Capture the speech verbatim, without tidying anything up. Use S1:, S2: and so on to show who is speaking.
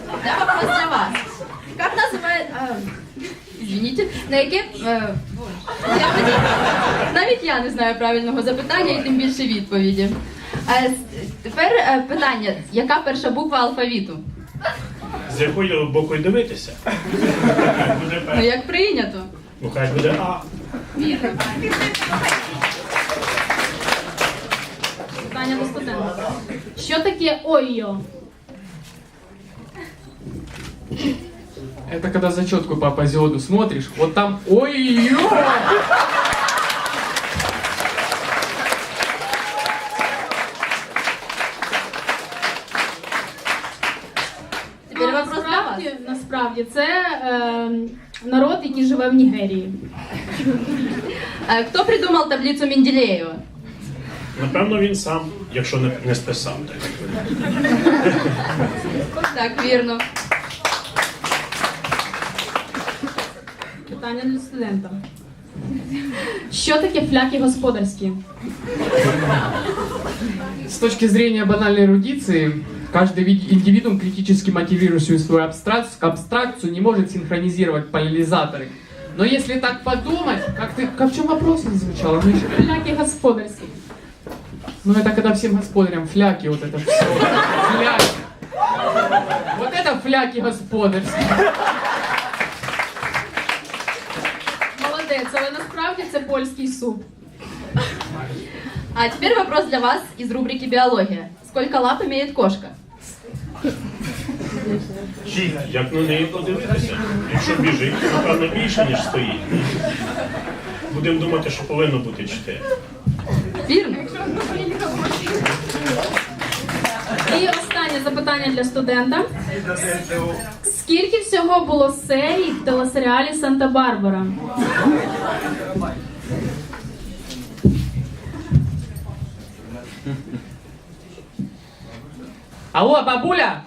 S1: Да, вопрос для вас. Как называет... а, извините, на яке... е, боже, я тоді- навіть я не знаю правильного запитання і тим більше відповіді. А, с- тепер е, питання. Яка перша буква алфавіту?
S2: З якої боку дивитися? Буде
S1: Ну,
S2: перше.
S1: як прийнято.
S2: Ну, хай буде А.
S1: Вірно. Питання до студента.
S3: Що таке ойо?
S4: Это когда зачетку по апозиоду смотришь, вот там ой-ё!
S1: Тепер
S3: Ну,
S1: вопрос для вас.
S3: насправді, насправді це е, народ, який живе в Нігерії.
S1: Е, Хто придумав таблицю Менделєєва?
S2: Напевно, він сам, якщо не, не списав. Так.
S1: Так, вірно.
S3: Питання для студента. Що таке фляки господарські?
S4: С точки зрения банальной эрудиции, каждый вид- индивидуум, критически мотивирующий свою абстрак- абстракцию, не может синхронизировать поляризаторы. Но если так подумать, как ты, как в чем вопрос не звучало? Ну, еще-
S3: Фляки господарські.
S4: ну это когда всем господарям фляки, вот это все. Фляки. Вот это фляки господарские.
S3: Молодець, але насправді це польський суп.
S1: А теперь вопрос для вас из рубрики «Биология». Сколько лап имеет кошка?
S2: Як на неї подивитися? Якщо біжить, то, напевно, більше, ніж стоїть. Будемо думати, що повинно бути чотири.
S1: Вірно.
S3: І останнє запитання для студента. Скільки всього було серій в телесеріалі «Санта-Барбара»?
S4: Алло, бабуля!